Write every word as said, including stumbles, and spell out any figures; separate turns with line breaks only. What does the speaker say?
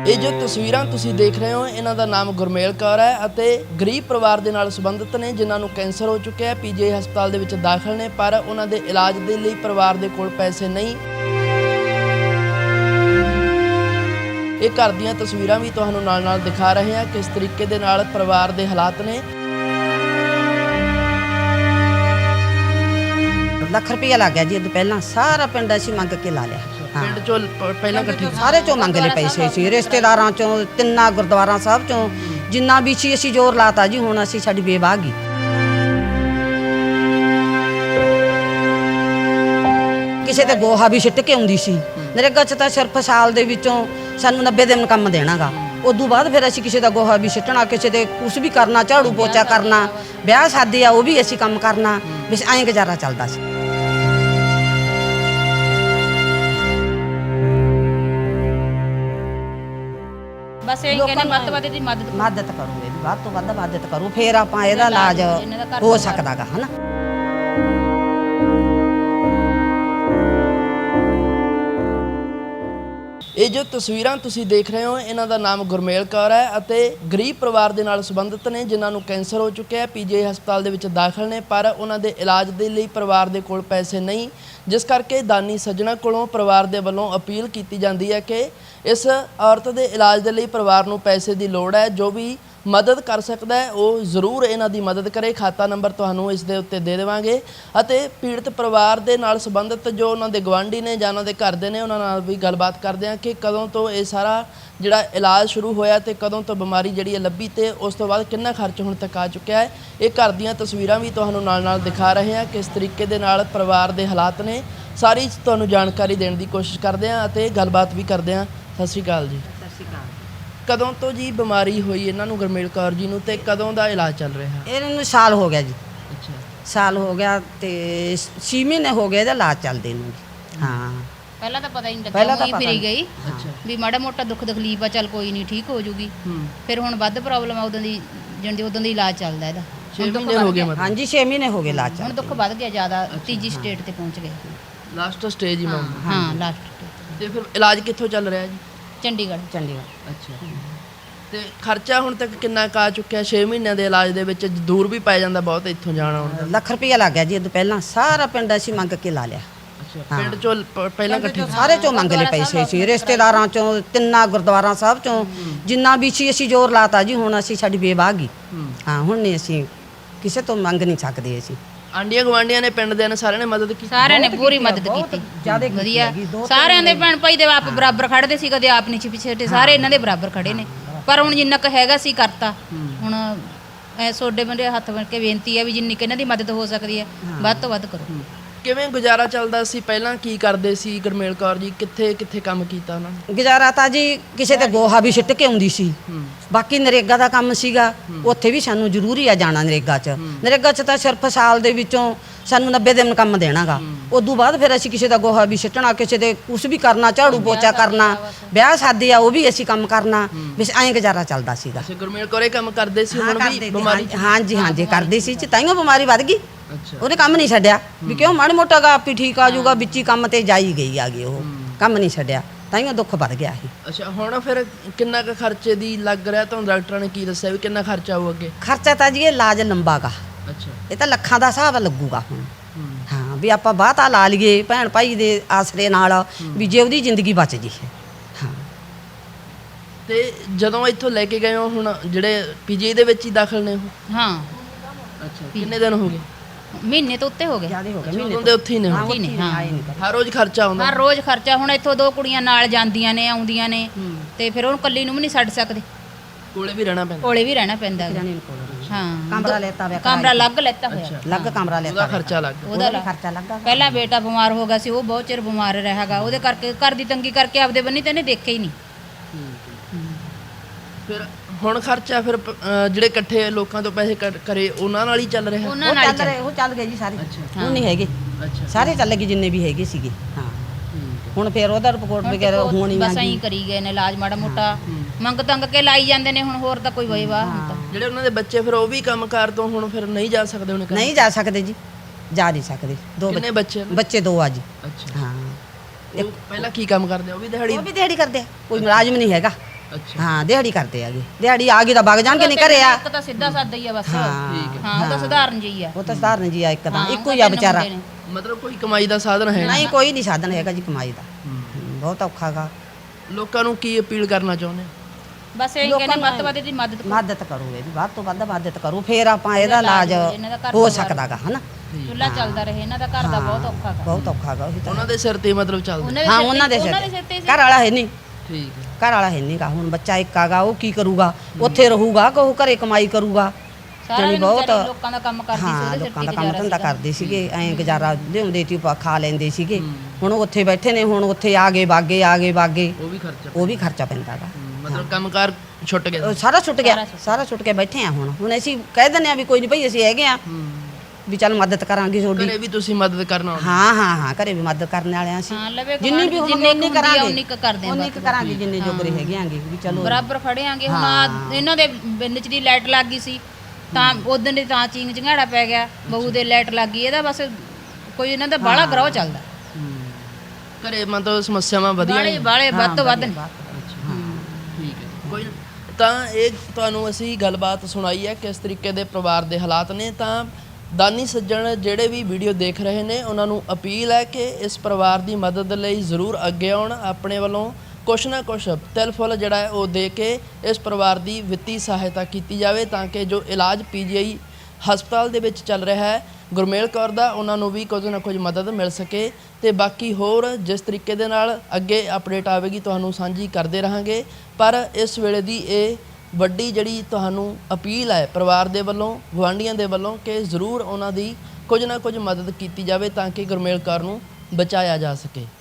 ਇਹ ਜੋ ਤਸਵੀਰਾਂ ਤੁਸੀਂ ਦੇਖ ਰਹੇ ਹੋ ਇਹਨਾਂ ਦਾ ਨਾਮ ਗੁਰਮੇਲ ਕੌਰ ਹੈ ਅਤੇ ਗਰੀਬ ਪਰਿਵਾਰ ਦੇ ਨਾਲ ਸੰਬੰਧਿਤ ਨੇ ਜਿਨ੍ਹਾਂ ਨੂੰ ਕੈਂਸਰ ਹੋ ਚੁੱਕਿਆ ਹੈ। ਪੀਜੀ ਹਸਪਤਾਲ ਦੇ ਵਿੱਚ ਦਾਖਲ ਨੇ ਪਰ ਉਹਨਾਂ ਦੇ ਇਲਾਜ ਦੇ ਲਈ ਪਰਿਵਾਰ ਦੇ ਕੋਲ ਪੈਸੇ ਨਹੀਂ। ਇਹ ਘਰ ਦੀਆਂ ਤਸਵੀਰਾਂ ਵੀ ਤੁਹਾਨੂੰ ਨਾਲ ਨਾਲ ਦਿਖਾ ਰਹੇ ਹਾਂ ਕਿਸ ਤਰੀਕੇ ਦੇ ਨਾਲ ਪਰਿਵਾਰ ਦੇ ਹਾਲਾਤ ਨੇ।
ਲੱਖ ਰੁਪਇਆ ਲੱਗ ਗਿਆ ਜੀ ਇਹ ਤੋਂ ਪਹਿਲਾਂ ਸਾਰਾ ਪਿੰਡ ਅਸੀਂ ਮੰਗ ਕੇ ਲਾ ਲਿਆ।
ਪਿੰਡ ਚੋਂ ਪਹਿਲਾਂ ਇਕੱਠੇ
ਸਾਰੇ ਚੋਂ ਮੰਗ ਲਏ ਪੈਸੇ ਸੀ ਰਿਸ਼ਤੇਦਾਰਾਂ ਚੋਂ ਤਿੰਨਾਂ ਗੁਰਦੁਆਰਾ ਸਾਹਿਬ ਚੋਂ ਜਿੰਨਾ ਵੀ ਸੀ ਅਸੀਂ ਜ਼ੋਰ ਲਾਤਾ ਜੀ। ਹੁਣ ਅਸੀਂ ਸਾਡੀ ਬੇਵਾਹ ਗਈ। ਕਿਸੇ ਤੇ ਗੋਹਾ ਵੀ ਸਿੱਟ ਕੇ ਆਉਂਦੀ ਸੀ। ਨਰੇਗਾ 'ਚ ਤਾਂ ਸਿਰਫ ਸਾਲ ਦੇ ਵਿੱਚੋਂ ਸਾਨੂੰ ਨੱਬੇ ਦਿਨ ਕੰਮ ਦੇਣਾਗਾ। ਉਦੋਂ ਬਾਅਦ ਫਿਰ ਅਸੀਂ ਕਿਸੇ ਦਾ ਗੋਹਾ ਵੀ ਸਿੱਟਣਾ, ਕਿਸੇ ਦੇ ਕੁਛ ਵੀ ਕਰਨਾ, ਝਾੜੂ ਪੋਚਾ ਕਰਨਾ, ਵਿਆਹ ਸ਼ਾਦੀ ਆ ਉਹ ਵੀ ਅਸੀਂ ਕੰਮ ਕਰਨਾ। ਬਸ ਐਂ ਗੁਜ਼ਾਰਾ ਚੱਲਦਾ ਸੀ।
ਬਸ ਇਹ ਕਹਿੰਦੇ ਵੱਧ ਤੋਂ ਵੱਧ ਦੀ ਮਦਦ
ਮਦਦ ਕਰੋ, ਇਹਦੀ ਵੱਧ ਤੋਂ ਵੱਧ ਮਦਦ ਕਰੋ, ਫਿਰ ਆਪਾਂ ਇਹਦਾ ਇਲਾਜ ਹੋ ਸਕਦਾਗਾ ਹਨਾ।
ਇਹ ਜੋ ਤਸਵੀਰਾਂ ਤੁਸੀਂ ਦੇਖ ਰਹੇ ਹੋ ਇਹਨਾਂ ਦਾ ਨਾਮ ਗੁਰਮੇਲ ਕੌਰ ਹੈ ਅਤੇ ਗਰੀਬ ਪਰਿਵਾਰ ਦੇ ਨਾਲ ਸੰਬੰਧਿਤ ਨੇ ਜਿਨ੍ਹਾਂ ਨੂੰ ਕੈਂਸਰ ਹੋ ਚੁੱਕਿਆ ਹੈ। ਪੀਜੀ ਹਸਪਤਾਲ ਦੇ ਵਿੱਚ ਦਾਖਲ ਨੇ ਪਰ ਉਹਨਾਂ ਦੇ ਇਲਾਜ ਦੇ ਲਈ ਪਰਿਵਾਰ ਦੇ ਕੋਲ ਪੈਸੇ ਨਹੀਂ, ਜਿਸ ਕਰਕੇ ਦਾਨੀ ਸੱਜਣਾ ਕੋਲੋਂ ਪਰਿਵਾਰ ਦੇ ਵੱਲੋਂ ਅਪੀਲ ਕੀਤੀ ਜਾਂਦੀ ਹੈ ਕਿ ਇਸ ਔਰਤ ਦੇ ਇਲਾਜ ਦੇ ਲਈ ਪਰਿਵਾਰ ਨੂੰ ਪੈਸੇ ਦੀ ਲੋੜ ਹੈ। ਜੋ ਵੀ ਮਦਦ ਕਰ ਸਕਦਾ ਹੈ ਉਹ ਜ਼ਰੂਰ ਇਹਨਾਂ ਦੀ ਮਦਦ ਕਰੇ। ਖਾਤਾ ਨੰਬਰ ਤੁਹਾਨੂੰ ਇਸ ਦੇ ਉੱਤੇ ਦੇ ਦੇਵਾਂਗੇ ਅਤੇ ਪੀੜਤ ਪਰਿਵਾਰ ਦੇ ਨਾਲ ਸੰਬੰਧਿਤ ਜੋ ਉਹਨਾਂ ਦੇ ਗਵਾਂਢੀ ਨੇ ਜਾਂ ਉਹਨਾਂ ਦੇ ਘਰ ਦੇ ਨੇ ਉਹਨਾਂ ਨਾਲ ਵੀ ਗੱਲਬਾਤ ਕਰਦੇ ਹਾਂ ਕਿ ਕਦੋਂ ਤੋਂ ਇਹ ਸਾਰਾ ਜਿਹੜਾ ਇਲਾਜ ਸ਼ੁਰੂ ਹੋਇਆ ਤੇ ਕਦੋਂ ਤੋਂ ਬਿਮਾਰੀ ਜਿਹੜੀ ਹੈ ਲੱਭੀ ਤੇ ਉਸ ਤੋਂ ਬਾਅਦ ਕਿੰਨਾ ਖਰਚ ਹੁਣ ਤੱਕ ਆ ਚੁੱਕਿਆ ਹੈ। ਇਹ ਘਰ ਦੀਆਂ ਤਸਵੀਰਾਂ ਵੀ ਤੁਹਾਨੂੰ ਨਾਲ ਨਾਲ ਦਿਖਾ ਰਹੇ ਹਾਂ ਕਿਸ ਤਰੀਕੇ ਦੇ ਨਾਲ ਪਰਿਵਾਰ ਦੇ ਹਾਲਾਤ ਨੇ। ਸਾਰੀ ਤੁਹਾਨੂੰ ਜਾਣਕਾਰੀ ਦੇਣ ਦੀ ਕੋਸ਼ਿਸ਼ ਕਰਦੇ ਹਾਂ ਅਤੇ ਗੱਲਬਾਤ ਵੀ ਕਰਦੇ ਹਾਂ। ਸਤਿ ਸ਼੍ਰੀ ਅਕਾਲ ਜੀ।
ਸਤਿ ਸ਼੍ਰੀ ਅਕਾਲ।
ਕਦੋਂ ਤੋਂ ਜੀ ਬਿਮਾਰੀ ਹੋਈ ਇਹਨਾਂ ਨੂੰ ਗੁਰਮੇਲ ਕੌਰ ਜੀ ਨੂੰ ਤੇ ਕਦੋਂ ਦਾ ਇਲਾਜ ਚੱਲ ਰਿਹਾ?
ਇਹਨਾਂ ਨੂੰ ਸਾਲ ਹੋ ਗਿਆ ਜੀ।
ਅੱਛਾ,
ਸਾਲ ਹੋ ਗਿਆ ਤੇ ਛੇ ਮਹੀਨੇ ਹੋ ਗਏ ਇਹਦਾ ਇਲਾਜ ਚੱਲਦੇ ਨੂੰ। ਹਾਂ
ਪਹਿਲਾਂ ਤਾਂ ਪਤਾ ਹੀ ਨਹੀਂ
ਪਹਿਲਾਂ
ਲੱਗਾ,
ਤਾਂ
ਉਹੀ ਫਿਰੀ ਗਈ
ਅੱਛਾ
ਵੀ ਮਾੜਾ ਮੋਟਾ ਦੁੱਖ ਤਕਲੀਫ ਆ ਚੱਲ ਕੋਈ ਨਹੀਂ ਠੀਕ ਹੋ ਜੂਗੀ।
ਹੂੰ
ਫਿਰ ਹੁਣ ਵੱਧ ਪ੍ਰੋਬਲਮ ਆ ਉਦੋਂ ਦੀ ਜਣਦੀ ਉਦੋਂ ਦੀ ਇਲਾਜ ਚੱਲਦਾ ਇਹਦਾ।
ਛੇ
ਹੁਣ ਦੁੱਖ
ਮਹੀਨੇ ਹੋ
ਵੱਧ
ਗਏ
ਗਿਆ।
ਮਤਲਬ
ਹਾਂਜੀ ਛੇ ਮਹੀਨੇ ਹੋ ਗਏ ਇਲਾਜ
ਹੁਣ
ਚੱਲਦੇ।
ਦੁੱਖ ਵੱਧ ਗਿਆ ਜ਼ਿਆਦਾ, ਤੀਜੀ ਸਟੇਟ ਤੇ ਪਹੁੰਚ ਗਏ।
ਲਾਸਟ ਸਟੇਜ ਹੀ
ਹਾਂ
ਮਾਮਲਾ।
ਹਾਂ ਲਾਸਟ
ਤੇ ਫਿਰ ਇਲਾਜ ਕਿੱਥੋਂ ਚੱਲ ਰਿਹਾ ਜੀ?
ਚੰਡੀਗੜ੍ਹ।
ਚੰਡੀਗੜ੍ਹ।
ਅੱਛਾ ਤੇ ਖਰਚਾ ਹੁਣ ਤੱਕ ਕਿੰਨਾ ਕੁ ਆ ਚੁੱਕਿਆ? ਛੇ ਮਹੀਨਿਆਂ ਦੇ ਇਲਾਜ ਦੇ ਵਿੱਚ ਦੂਰ ਵੀ ਪੈ ਜਾਂਦਾ ਬਹੁਤ ਇੱਥੋਂ ਜਾਣਾ ਆਉਣ ਦਾ।
ਲੱਖ ਰੁਪਇਆ ਲੱਗ ਗਿਆ ਜੀ ਇਹ ਤੋਂ ਪਹਿਲਾਂ ਸਾਰਾ ਪਿੰਡ ਅਸੀਂ ਮੰਗ ਕੇ ਲਾ ਲਿਆ।
ਅੱਛਾ, ਪਿੰਡ ਚੋਂ ਪ- ਪਹਿਲਾਂ ਇਕੱਠੇ
ਸਾਰੇ ਚੋਂ ਮੰਗ ਲਏ ਪੈਸੇ ਸੀ ਰਿਸ਼ਤੇਦਾਰਾਂ ਚੋਂ ਤਿੰਨਾਂ ਗੁਰਦੁਆਰਾ ਸਾਹਿਬ ਚੋਂ ਜਿੰਨਾ ਵੀ ਸੀ ਅਸੀਂ ਜ਼ੋਰ ਲਾਤਾ ਜੀ। ਹੁਣ ਅਸੀਂ ਸਾਡੀ ਬੇਵਾਹ ਗਈ।
ਹੂੰ।
ਹਾਂ ਹੁਣ ਨਹੀਂ ਅਸੀਂ ਕਿਸੇ ਤੋਂ ਮੰਗ ਨਹੀਂ ਸਕਦੇ। ਅਸੀਂ
ਆਂਡੀਆਂ ਗਵਾਂਡੀਆਂ ਨੇ ਪਿੰਡ ਦੇ ਨੇ ਸਾਰਿਆਂ ਨੇ ਮਦਦ ਕੀਤੀ।
ਸਾਰਿਆਂ ਨੇ ਪੂਰੀ ਮਦਦ ਕੀਤੀ,
ਜ਼ਿਆਦੇ ਕੀਤੀ
ਵਧੀਆ।
ਹੈਗੀ, ਦੋ
ਸਾਰਿਆਂ ਦੇ ਭੈਣ ਭਾਈ ਦੇ ਆਪ ਬਰਾਬਰ ਖੜਦੇ ਸੀ, ਕਦੇ ਆਪ ਨਹੀਂ ਪਿੱਛੇ ਹਟੇ, ਸਾਰੇ ਇਹਨਾਂ ਦੇ ਬਰਾਬਰ ਖੜੇ ਨੇ। ਪਰ ਹੁਣ ਜਿੰਨਾ ਕੁ ਹੈਗਾ ਸੀ ਕਰਤਾ। ਹੁਣ ਐ ਸੋਡੇ ਬੰਦੇ ਹੱਥ ਬਣ ਕੇ ਬੇਨਤੀ ਹੈ ਵੀ ਜਿੰਨੀ ਕਿ ਇਹਨਾਂ ਦੀ ਮਦਦ ਹੋ ਸਕਦੀ ਹੈ ਵੱਧ ਤੋਂ ਵੱਧ ਕਰੋ।
ਕਿਵੇਂ ਗੁਜ਼ਾਰਾ ਚੱਲਦਾ ਸੀ ਪਹਿਲਾਂ? ਕੀ ਕਰਦੇ ਸੀ ਗੁਰਮੇਲ ਕੌਰ ਜੀ? ਕਿੱਥੇ ਕਿੱਥੇ ਕੰਮ ਕੀਤਾ ਉਹਨਾਂ ਨੇ?
ਗੁਜ਼ਾਰਾ ਤਾਂ ਜੀ ਕਿਸੇ ਤੇ ਗੋਹਾ ਵੀ ਸਿੱਟ ਕੇ ਆਉਂਦੀ ਸੀ।
ਹੂੰ
ਬਾਕੀ ਨਰੇਗਾ ਦਾ ਕੰਮ ਸੀਗਾ, ਉੱਥੇ ਵੀ ਸਾਨੂੰ ਜ਼ਰੂਰੀ ਆ ਜਾਣਾ। ਨਰੇਗਾ 'ਚ ਨਰੇਗਾ 'ਚ ਤਾਂ ਸਿਰਫ ਸਾਲ ਦੇ ਵਿੱਚੋਂ ਸਾਨੂੰ ਨੱਬੇ ਦਿਨ ਕੰਮ ਦੇਣਾਗਾ। ਉਦੋਂ ਬਾਅਦ ਫਿਰ ਅਸੀਂ ਕਿਸੇ ਦਾ ਗੋਹਾ ਵੀ ਸਿੱਟਣਾ, ਕਿਸੇ ਦੇ ਕੁਛ ਵੀ ਕਰਨਾ, ਝਾੜੂ ਪੋਚਾ ਕਰਨਾ, ਵਿਆਹ ਸ਼ਾਦੀ ਆ ਉਹ ਵੀ ਅਸੀਂ ਕੰਮ ਕਰਨਾ। ਬਸ ਐਂ ਗੁਜ਼ਾਰਾ ਚੱਲਦਾ ਸੀਗਾ।
ਅੱਛਾ, ਗੁਰਮੇਲ ਕੌਰ ਇਹ ਕੰਮ ਕਰਦੇ ਸੀ ਹੁਣ ਵੀ ਬਿਮਾਰੀ?
ਹਾਂਜੀ ਹਾਂਜੀ ਕਰਦੇ ਸੀ। ਤਾਈਓ ਬਿਮਾਰੀ ਵੱਧ ਗਈ।
ਅੱਛਾ,
ਉਹਨੇ ਕੰਮ ਨਹੀਂ ਛੱਡਿਆ ਵੀ ਕਿਉਂ ਮਾੜਾ ਮੋਟਾ ਗਾ ਆਪੀ ਠੀਕ ਆ ਜਾਊਗਾ, ਵਿੱਚ ਹੀ ਕੰਮ ਤੇ ਜਾਈ ਗਈ ਆ ਗਈ। ਉਹ ਕੰਮ ਨਹੀਂ ਛੱਡਿਆ, ਤਾਈਓ ਦੁੱਖ ਵੱਧ ਗਿਆ ਸੀ।
ਅੱਛਾ ਹੁਣ ਫਿਰ ਕਿੰਨਾ ਕੁ ਖਰਚੇ ਦੀ ਲੱਗ ਰਿਹਾ ਤੁਹਾਨੂੰ? ਡਾਕਟਰਾਂ ਨੇ ਕੀ ਦੱਸਿਆ ਵੀ ਕਿੰਨਾ ਖਰਚਾ ਆਊ ਅੱਗੇ?
ਖਰਚਾ ਤਾਂ ਜੀ ਇਹ ਇਲਾਜ ਲੰਬਾ ਗਾ।
ਅੱਛਾ।
ਇਹ ਤਾਂ ਲੱਖਾਂ ਦਾ ਹਿਸਾਬ ਲੱਗੂਗਾ ਹੁਣ।
ਹੂੰ।
ਹਾਂ ਵੀ ਆਪਾਂ ਬਾਹਤਾ ਲਾ ਲਈਏ ਭੈਣ ਭਾਈ ਦੇ ਆਸਰੇ ਨਾਲ ਵੀ ਜੇ ਉਹਦੀ ਜ਼ਿੰਦਗੀ ਬਚ ਜੀ। ਹਾਂ
ਤੇ ਜਦੋਂ ਇੱਥੋਂ ਲੈ ਕੇ ਗਏ ਹੋ ਹੁਣ ਜਿਹੜੇ ਪੀਜੀ ਦੇ ਵਿੱਚ ਹੀ ਦਾਖਲ ਨੇ ਉਹ?
ਹਾਂ
ਅੱਛਾ, ਕਿੰਨੇ ਦਿਨ ਹੋ ਗਏ?
ਮਹੀਨੇ ਤੋਂ ਉੱਤੇ ਹੋ ਗਏ।
ਜਿਆਦੇ ਹੋ ਗਏ
ਮਹੀਨੇ
ਮਹੀਨੇ
ਦੇ ਉੱਥੇ ਹੀ ਨੇ
ਹਾਂ
ਹੁਣ?
ਉੱਥੇ ਹੀ ਨੇ, ਹਾਂ।
ਆਏ ਨਹੀਂ ਕਦੇ।
ਹਰ ਰੋਜ਼ ਖਰਚਾ ਆਉਂਦਾ?
ਹਰ ਰੋਜ਼ ਖਰਚਾ। ਹੁਣ ਇੱਥੋਂ ਦੋ ਕੁੜੀਆਂ ਨਾਲ ਜਾਂਦੀਆਂ ਨੇ ਆਉਂਦੀਆਂ ਨੇ
ਹੂੰ।
ਤੇ ਫਿਰ ਉਹਨੂੰ ਕੱਲੀ ਨੂੰ ਵੀ ਨਹੀਂ ਛੱਡ ਸਕਦੇ,
ਕੋਲੇ ਵੀ ਰਹਿਣਾ ਪੈਂਦਾ?
ਕੋਲੇ ਵੀ ਰਹਿਣਾ ਪੈਂਦਾ ਹੈਗਾ।
ਜਾਣੇ ਕੋਲ
ਹਾਂ
ਕਮਰਾ ਲੈਤਾ ਹੋਇਆ
ਕਮਰਾ ਅਲੱਗ ਲੈਤਾ ਹੋਇਆ।
ਅੱਛਾ,
ਲੱਗ ਕਮਰਾ ਲੈਤਾ
ਉਹਦਾ ਖਰਚਾ ਲੱਗ
ਉਹਦਾ
ਉਹਦਾ ਖਰਚਾ ਲੱਗਾ।
ਪਹਿਲਾਂ ਬੇਟਾ ਬਿਮਾਰ ਹੋ ਗਿਆ ਸੀ, ਉਹ ਬਹੁਤ ਚਿਰ ਬਿਮਾਰ ਰਿਹਾਗਾ। ਉਹਦੇ ਕਰਕੇ ਘਰ ਦੀ ਤੰਗੀ ਕਰਕੇ ਆਪਦੇ ਬੰਨੀ ਤੇ ਇਹਨੇ ਦੇਖਿਆ ਹੀ ਨਹੀਂ।
ਫਿਰ ਹੁਣ ਖਰਚਾ ਫਿਰ ਪ- ਅਹ ਜਿਹੜੇ ਇਕੱਠੇ ਲੋਕਾਂ ਤੋਂ ਪੈਸੇ ਕੱਢ- ਕਰੇ ਉਹਨਾਂ ਨਾਲ ਹੀ ਚੱਲ ਰਿਹਾ?
ਉਹਨਾਂ
ਉਹ
ਨਾਲ ਹੀ
ਚੱਲ ਰਹੇ ਉਹ ਚੱਲ ਗਏ ਜੀ ਸਾਰੇ।
ਅੱਛਾ।
ਹੁਣ ਨਹੀਂ ਹੈਗੇ,
ਅੱਛਾ,
ਸਾਰੇ ਚੱਲ ਗਏ ਜਿੰਨੇ ਵੀ ਹੈਗੇ ਸੀਗੇ। ਹਾਂ
ਠੀਕ
ਹੁਣ ਫਿਰ ਉਹਦਾ ਰਿਪੋਰਟ ਵਗੈਰਾ ਹੋਣੀ
ਬਸ
ਆ
ਐਂ
ਜੀ।
ਕਰੀ ਗਏ ਨੇ ਇਲਾਜ ਮਾੜਾ ਮੋਟਾ ਮੰਗ ਤੰਗ ਕੇ ਲਾਈ ਜਾਂਦੇ ਨੇ। ਹੁਣ ਹੋਰ ਤਾਂ ਕੋਈ ਵਹੀਵਾ ਹੁਣ ਤਾਂ
ਹੈ। ਜਿਹੜੇ ਉਹਨਾਂ ਦੇ ਬੱਚੇ ਫਿਰ ਉਹ ਵੀ ਕੰਮਕਾਰ ਤੋਂ ਹੁਣ ਫਿਰ ਨਹੀਂ ਜਾ ਸਕਦੇ ਉਹਨੇ?
ਨਹੀਂ ਜਾ ਸਕਦੇ ਜੀ, ਜਾ ਨਹੀਂ ਸਕਦੇ। ਦੋ
ਕਿੰਨੇ ਬੱਚੇ ਨੇ?
ਬੱਚੇ ਦੋ ਆ ਜੀ।
ਅੱਛਾ,
ਹਾਂ
ਉਹ ਪਹਿਲਾਂ ਕੀ ਕੰਮ ਕਰਦੇ ਆ? ਉਹ ਵੀ ਦਿਹਾੜੀ?
ਉਹ ਵੀ ਦਿਹਾੜੀ ਕਰਦੇ ਆ, ਕੋਈ ਮੁਲਾਜ਼ਮ ਨਹੀਂ ਹੈਗਾ।
ਅੱਛਾ
ਹਾਂ ਦਿਹਾੜੀ ਕਰਦੇ ਆਗੇ ਦਿਹਾੜੀ ਆ ਗਈ ਤਾਂ ਵਗ ਜਾਣਗੇ ਨਹੀਂ ਘਰੇ ਆ
ਇੱਕ ਤਾਂ ਸਿੱਧਾ ਸਾਦਾ ਹੀ ਆ ਬਸ
ਹਾਂ
ਹਾਂ ਉਹ ਤਾਂ ਸਧਾਰਨ ਜਿਹੀ ਆ
ਉਹ ਤਾਂ ਸਧਾਰਨ ਜੀ ਆ ਇੱਕ ਤਾਂ
ਹਾਂ,
ਇੱਕੋ
ਉਹ
ਹੀ ਆ
ਤਿੰਨ
ਵਿਚਾਰਾ
ਮੁੰਡੇ ਨੇ।
ਮਤਲਬ ਕੋਈ ਕਮਾਈ ਦਾ ਸਾਧਨ ਹੈ
ਨਹੀਂ ਕੋਈ ਨਹੀਂ ਸਾਧਨ ਹੈਗਾ ਜੀ ਕਮਾਈ ਦਾ
ਹੂੰ।
ਹੂੰ, ਬਹੁਤ ਔਖਾ ਗਾ
ਲੋਕਾਂ ਨੂੰ ਕੀ ਅਪੀਲ ਕਰਨਾ ਚਾਹੁੰਦੇ ਹੋ?
ਬਸ ਇਹ
ਲੋਕਾਂ
ਕਹਿੰਦੇ
ਨੂੰ
ਵੱਧ ਤੋਂ ਵੱਧ ਇਹਦੀ ਮਦਦ ਕਰੋ
ਮਦਦ ਕਰੋ ਇਹਦੀ ਵੱਧ ਤੋਂ ਵੱਧ ਮਦਦ ਕਰੋ ਫੇਰ ਆਪਾਂ ਇਹਦਾ ਇਲਾਜ
ਇਹਨਾਂ ਦਾ ਘਰ
ਹੋ
ਪਰਿਵਾਰ।
ਸਕਦਾਗਾ ਹਨਾ
ਚੁੱਲ੍ਹਾ ਚੱਲਦਾ ਰਹੇ ਇਹਨਾਂ ਦਾ ਘਰ ਦਾ ਬਹੁਤ ਔਖਾ ਗਾ
ਬਹੁਤ ਔਖਾ ਗਾ ਉਹੀ ਤਾਂ
ਉਹਨਾਂ ਦੇ ਸਿਰ ਤੇ ਮਤਲਬ ਚੱਲਦਾ।
ਉਹਨਾਂ
ਹਾਂ
ਸਿਰ
ਉਹਨਾਂ ਦੇ
ਤੇ-
ਸਿਰ
ਉਹਨਾਂ ਦੇ ਸਿਰ ਤੇ
ਤੇ। ਘਰ ਵਾਲਾ ਹੈ ਨਹੀਂ
ਠੀਕ ਹੈ।
ਘਰ ਵਾਲਾ ਹੈ ਨਹੀਂਗਾ ਹੁਣ ਬੱਚਾ ਇੱਕ ਆਗਾ ਉਹ ਕੀ ਕਰੂਗਾ ਉੱਥੇ ਰਹੂਗਾ ਕਿ ਉਹ ਘਰੇ ਕਮਾਈ ਕਰੂਗਾ
ਸਾਰਾ
ਜਾਣੀ
ਦਿਨ
ਬਹੁਤ
ਵਿਚਾਰੀ ਲੋਕਾਂ ਦਾ ਕੰਮ ਕਰਦੀ ਸੀ
ਹਾਂ
ਉਹਦੇ ਸਿਰ
ਲੋਕਾਂ
ਤੇ
ਦਾ ਕੰਮ
ਗੁਜ਼ਾਰਾ
ਧੰਦਾ
ਸੀਗਾ।
ਕਰਦੇ ਸੀਗੇ ਐਂ ਗੁਜ਼ਾਰਾ ਲਿਆਉਂਦੇ ਤੀ ਪਾ ਖਾ ਲੈਂਦੇ ਸੀਗੇ ਹੁਣ ਉਹ ਉੱਥੇ ਬੈਠੇ ਨੇ ਹੁਣ ਉੱਥੇ ਆ ਗਏ ਬਾਗੇ ਆ ਗਏ ਬਾਗੇ
ਉਹ ਵੀ ਖਰਚਾ।
ਉਹ ਵੀ ਖਰਚਾ ਪੈਂਦਾਗਾ
ਹੂੰ, ਮਤਲਬ ਕੰਮਕਾਰ ਛੁੱਟ ਗਿਆ।
ਉਹ ਸਾਰਾ ਛੁੱਟ ਗਿਆ ਸਾਰਾ ਛੁੱਟ ਕੇ ਬੈਠੇ ਆ ਹੁਣ ਹੁਣ ਅਸੀਂ ਕਹਿ ਦਿੰਦੇ ਆ ਵੀ ਕੋਈ ਨਹੀਂ ਭਈ ਅਸੀਂ ਹੈਗੇ ਆ
ਹੂੰ।
ਵੀ ਚੱਲ ਮਦਦ ਕਰਾਂਗੇ ਤੁਹਾਡੀ
ਘਰੇ ਵੀ ਤੁਸੀਂ ਮਦਦ ਕਰਨਾ ਹੋਵੇ।
ਹਾਂ ਹਾਂ ਹਾਂ ਘਰੇ ਵੀ ਮਦਦ ਕਰਨ ਵਾਲੇ ਆ ਅਸੀਂ
ਹਾਂ ਲਵੇ
ਜਿੰਨੀ ਵੀ ਹੁਣ
ਜਿੰਨੀ
ਉਨੀ
ਕੁ ਹੁੰਦੀ ਆ,
ਕਰਾਂਗੇ
ਉਨੀ ਕੁ ਕਰਦੇ ਆ
ਉਨੀ ਕੁ ਕਰਾਂਗੇ ਜਿੰਨੇ ਜੋਗਰੇ ਹੈਗੇ ਆਂਗੇ ਵੀ ਚਲੋ
ਬਰਾਬਰ ਖੜੇ ਆਂਗੇ ਹੁਣ ਆਹ ਇਹਨਾਂ ਦੇ ਬਿੰਦ ਚ ਦੀ ਲਾਈਟ ਲੱਗ ਗਈ ਸੀ ਤਾਂ ਉਦੋਂ ਦੇ ਤਾਂ ਚਿੰਗ ਚੰਗਾੜਾ ਪੈ ਗਿਆ ਬਹੂ ਦੇ ਲਾਈਟ ਲੱਗ ਗਈ ਇਹਦਾ ਬਸ ਕੋਈ ਇਹਨਾਂ ਦਾ ਬਾਹਲਾ ਗਰੋਹ ਚੱਲਦਾ
ਹੂੰ। ਘਰੇ ਮਤਲਬ ਸਮੱਸਿਆਵਾਂ ਵਧੀਆ
ਬਾਲੇ
ਨੇ।
ਬਾਲੇ ਵੱਧ ਤੋਂ ਵੱਧ ਨੇ।
ਠੀਕ ਹੈ ਕੋਈ ਨਾ। ਤਾਂ ਇਹ ਤੁਹਾਨੂੰ ਅਸੀਂ ਗੱਲਬਾਤ ਸੁਣਾਈ ਹੈ ਕਿਸ ਤਰੀਕੇ ਦੇ ਪਰਿਵਾਰ ਦੇ ਹਾਲਾਤ ਨੇ। ਤਾਂ ਦਾਨੀ ਸੱਜਣ ਜਿਹੜੇ ਵੀ ਵੀਡੀਓ ਦੇਖ ਰਹੇ ਨੇ ਉਹਨਾਂ ਨੂੰ ਅਪੀਲ ਹੈ ਕਿ ਇਸ ਪਰਿਵਾਰ ਦੀ ਮਦਦ ਲਈ ਜ਼ਰੂਰ ਅੱਗੇ ਆਉਣ ਆਪਣੇ ਵੱਲੋਂ ਕੁਛ ਨਾ ਕੁਛ ਤਿਲ ਫੁੱਲ ਜਿਹੜਾ ਹੈ ਉਹ ਦੇ ਕੇ ਇਸ ਪਰਿਵਾਰ ਦੀ ਵਿੱਤੀ ਸਹਾਇਤਾ ਕੀਤੀ ਜਾਵੇ ਤਾਂ ਕਿ ਜੋ ਇਲਾਜ ਪੀਜੀਆਈ ਹਸਪਤਾਲ ਦੇ ਵਿੱਚ ਚੱਲ ਰਿਹਾ ਹੈ ਗੁਰਮੇਲ ਕੌਰ ਦਾ ਉਹਨਾਂ ਨੂੰ ਵੀ ਕੁਝ ਨਾ ਕੁਝ ਮਦਦ ਮਿਲ ਸਕੇ। ਤੇ ਬਾਕੀ ਹੋਰ ਜਿਸ ਤਰੀਕੇ ਦੇ ਨਾਲ ਅੱਗੇ ਅਪਡੇਟ ਆਵੇਗੀ ਤੁਹਾਨੂੰ ਸਾਂਝੀ ਕਰਦੇ ਰਹਾਂਗੇ। ਪਰ ਇਸ ਵੇਲੇ ਦੀ ਇਹ ਵੱਡੀ ਜਿਹੜੀ ਤੁਹਾਨੂੰ ਅਪੀਲ ਹੈ ਪਰਿਵਾਰ ਦੇ ਵੱਲੋਂ ਗੁਆਂਢੀਆਂ ਦੇ ਵੱਲੋਂ ਕਿ ਜ਼ਰੂਰ ਉਹਨਾਂ ਦੀ ਕੁਝ ਨਾ ਕੁਝ ਮਦਦ ਕੀਤੀ ਜਾਵੇ ਤਾਂ ਕਿ ਗੁਰਮੇਲ ਕੌਰ ਨੂੰ ਬਚਾਇਆ ਜਾ ਸਕੇ।